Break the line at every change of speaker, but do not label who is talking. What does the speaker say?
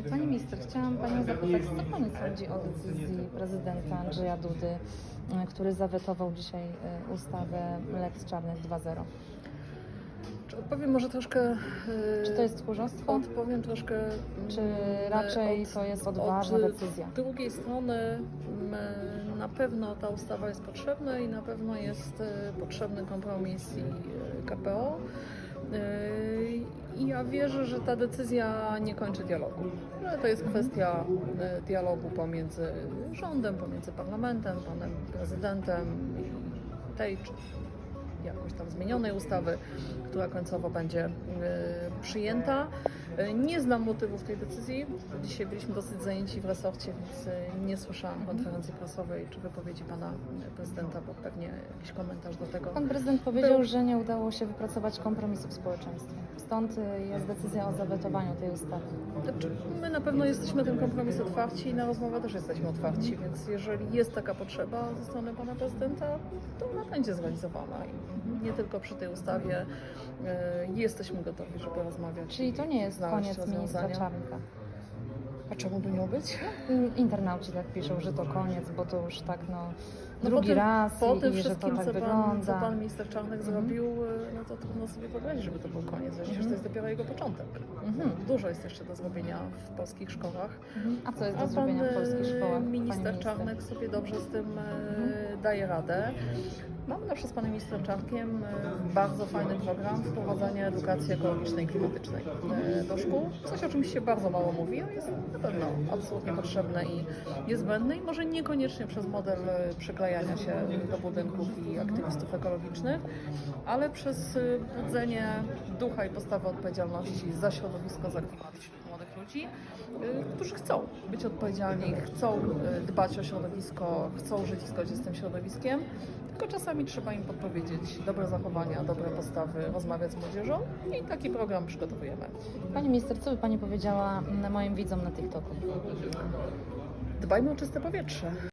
Pani minister, chciałam Panią zapytać, co Pani sądzi o decyzji prezydenta Andrzeja Dudy, który zawetował dzisiaj ustawę Lex Czarnek 2.0?
Odpowiem może troszkę...
Czy to jest tchórzostwo?
Odpowiem troszkę...
Czy raczej to jest odważna decyzja?
Z drugiej strony na pewno ta ustawa jest potrzebna i na pewno jest potrzebny kompromis i KPO. I ja wierzę, że ta decyzja nie kończy dialogu. Że to jest kwestia dialogu pomiędzy rządem, pomiędzy parlamentem, panem prezydentem i tej czy jakoś tam zmienionej ustawy, która końcowo będzie przyjęta. Nie znam motywów tej decyzji. Dzisiaj byliśmy dosyć zajęci w resorcie, więc nie słyszałam konferencji prasowej czy wypowiedzi pana prezydenta, bo pewnie jakiś komentarz do tego.
Pan prezydent powiedział, że nie udało się wypracować kompromisu w społeczeństwie. Stąd jest decyzja o zawetowaniu tej ustawy.
Znaczy, my na pewno jesteśmy ten kompromis otwarci i na rozmowę też jesteśmy otwarci, więc jeżeli jest taka potrzeba ze strony pana prezydenta, to ona będzie zrealizowana. I nie tylko przy tej ustawie jesteśmy gotowi, żeby rozmawiać.
Czyli to nie jest koniec ministra Czarnka.
A czemu by miał być?
Internauci tak piszą, że to koniec, bo to już tak drugi raz
po tym
i że to tak wygląda.
Co pan minister Czarnek zrobił, no to trudno sobie wyobrazić, żeby to był koniec. Przecież to jest dopiero jego początek. Dużo jest jeszcze do zrobienia w polskich szkołach.
A co jest do zrobienia w polskich szkołach?
Minister Czarnek sobie dobrze z tym daje radę. Mamy zawsze z panem ministrem Czarnkiem bardzo fajny program wprowadzania edukacji ekologicznej i klimatycznej do szkół. Coś, o czym się bardzo mało mówi, a jest na pewno absolutnie potrzebne i niezbędne i może niekoniecznie przez model przyklejania się do budynków i aktywistów ekologicznych, ale przez budzenie ducha i postawy odpowiedzialności za środowisko, za klimat wśród młodych ludzi, którzy chcą być odpowiedzialni, chcą dbać o środowisko, chcą żyć w zgodzie z tym środowiskiem. Tylko czasami trzeba im podpowiedzieć dobre zachowania, dobre postawy, rozmawiać z młodzieżą i taki program przygotowujemy.
Pani minister, co by Pani powiedziała moim widzom na TikToku?
Dbajmy o czyste powietrze.